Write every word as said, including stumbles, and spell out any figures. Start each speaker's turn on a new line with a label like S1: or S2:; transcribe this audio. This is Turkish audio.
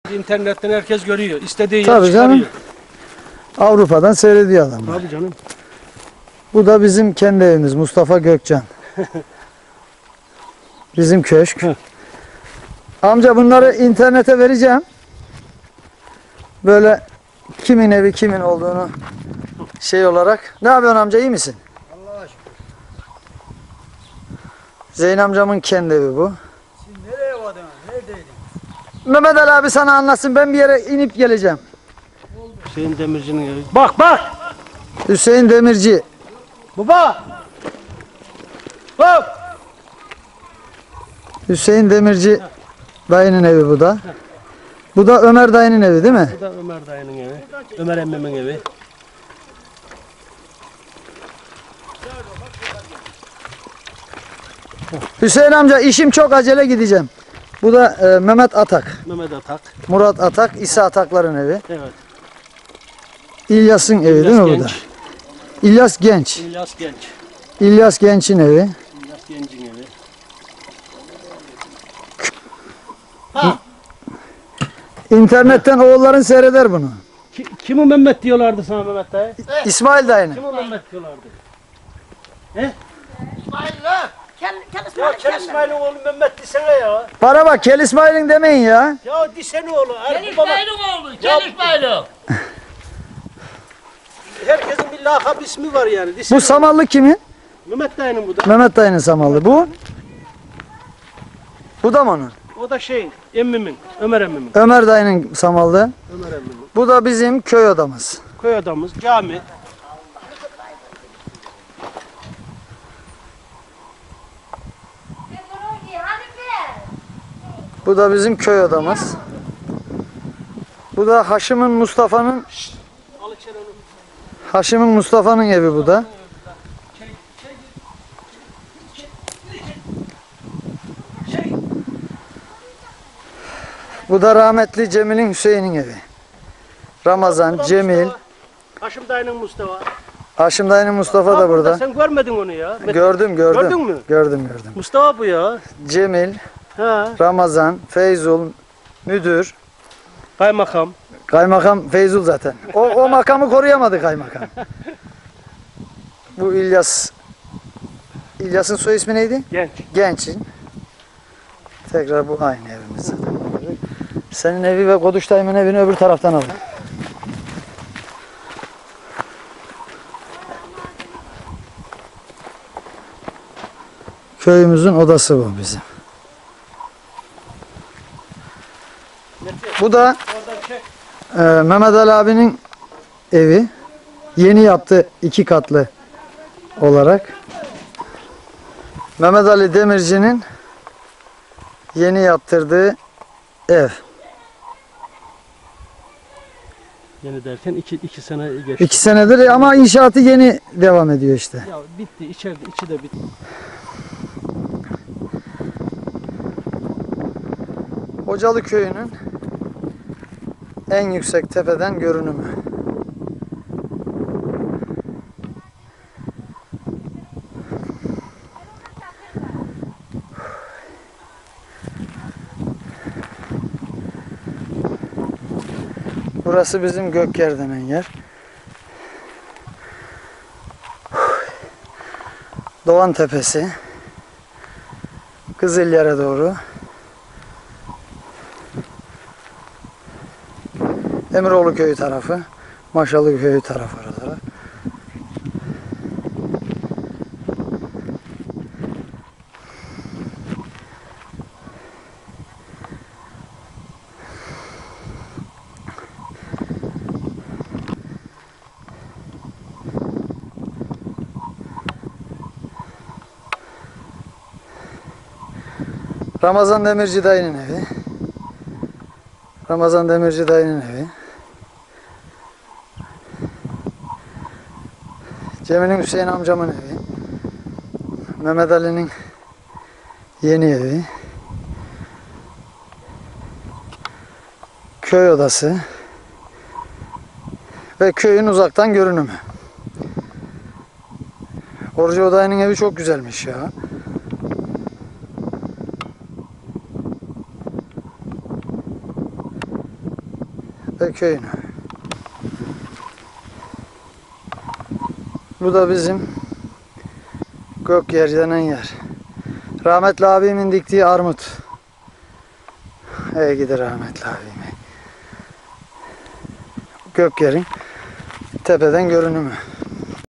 S1: İnternetten herkes görüyor. İstediği yer
S2: Tabii
S1: çıkarıyor.
S2: canım. Avrupa'dan seyrediyor adamlar.
S1: Tabii canım.
S2: Bu da bizim kendi evimiz, Mustafa Gökcan. Bizim köşk. Amca bunları internete vereceğim. Böyle kimin evi kimin olduğunu şey olarak. Ne yapıyorsun amca, iyi misin?
S3: Allah'a şükür.
S2: Zeyn amcamın kendi evi bu.
S3: Siz nereye vardınız? Neredeydin?
S2: Mehmet Ali abi sana anlatsın, ben bir yere inip geleceğim.
S1: Hüseyin Demirci'nin evi. Bak bak!
S2: Hüseyin Demirci.
S1: Baba! Bak!
S2: Hüseyin Demirci dayının evi bu da. Bu da Ömer dayının evi değil mi?
S1: Bu da Ömer dayının evi. Ömer emmimin evi.
S2: Hüseyin amca işim çok, acele gideceğim. Bu da e, Mehmet Atak.
S1: Mehmet Atak.
S2: Murat Atak, İsa Atakların evi.
S1: Evet.
S2: İlyas'ın evi değil mi bu da?
S1: Genç.
S2: İlyas Genç.
S1: İlyas Genç.
S2: İlyas Genç'in evi.
S1: İlyas Genç'in evi.
S2: İnternetten oğulların seyreder bunu.
S1: Ki, kimi Mehmet diyorlardı sana Mehmet dayı?
S2: İsmail dayının.
S1: Kimi Mehmet diyorlardı?
S4: İsmail lan. Kel, kel
S1: Ya
S4: İsmail.
S1: Kel İsmail'in oğlu Mehmet desene ya.
S2: Bana bak, Kel İsmail'in demeyin ya.
S1: Ya desene oğlu.
S4: Kel
S1: Her, baba,
S4: İsmail'in oğlu. Kel İsmail'in.
S1: herkesin bir lakap ismi var yani.
S2: Bu
S1: Desene.
S2: samallı kimin?
S1: Mehmet dayının bu da.
S2: Mehmet dayının samallı. Bu? Bu da mı onun?
S1: O da şey emmimin. Ömer emmimin.
S2: Ömer dayının samallı.
S1: Ömer emmimin.
S2: Bu da bizim köy odamız.
S1: Köy adamız. Cami.
S2: Bu da bizim köy odamız. Bu da Haşim'in Mustafa'nın
S1: Al içeri onu.
S2: Haşim'in Mustafa'nın evi bu da. Bu da rahmetli Cemil'in Hüseyin'in evi. Ramazan, Cemil,
S1: Mustafa. Haşim dayının Mustafa.
S2: Haşim dayının Mustafa da
S1: Ha,
S2: burada.
S1: Sen görmedin onu ya.
S2: Gördüm, gördüm.
S1: Gördün mü?
S2: Gördüm, gördüm.
S1: Mustafa bu ya.
S2: Cemil,
S1: Ha.
S2: Ramazan, Feyzul, müdür,
S1: Kaymakam.
S2: kaymakam Feyzul zaten. O, o makamı koruyamadı kaymakam. Bu İlyas. İlyas'ın soy ismi neydi?
S1: Genç.
S2: Genç'in. Tekrar bu aynı evimiz zaten. Senin evi ve Koduş dayımın evini öbür taraftan alın. Köyümüzün odası bu bizim. Bu da e, Mehmet Ali abinin evi. Yeni yaptı, iki katlı olarak. Mehmet Ali Demirci'nin yeni yaptırdığı ev.
S1: Yeni derken iki, iki sene geçti.
S2: İki senedir ama inşaatı yeni devam ediyor işte.
S1: Ya bitti. İçeride içi de bitti.
S2: Hocalı köyünün en yüksek tepeden görünümü. Burası bizim Gökyer denen yer. Doğan Tepesi. Kızılyer'e doğru. Emiroğlu köyü tarafı. Maşalı köyü tarafı oralara. Ramazan Demirci dayının evi. Ramazan Demirci dayının evi. Cemil'in Hüseyin amcamın evi. Mehmet Ali'nin yeni evi. Köy odası. Ve köyün uzaktan görünümü. Orcu dayının evi çok güzelmiş ya. ve köyünü. Bu da bizim Gökyer denen yer. Rahmetli abimin diktiği armut. Ey gidi rahmetli abime. Gökyer'in tepeden görünümü.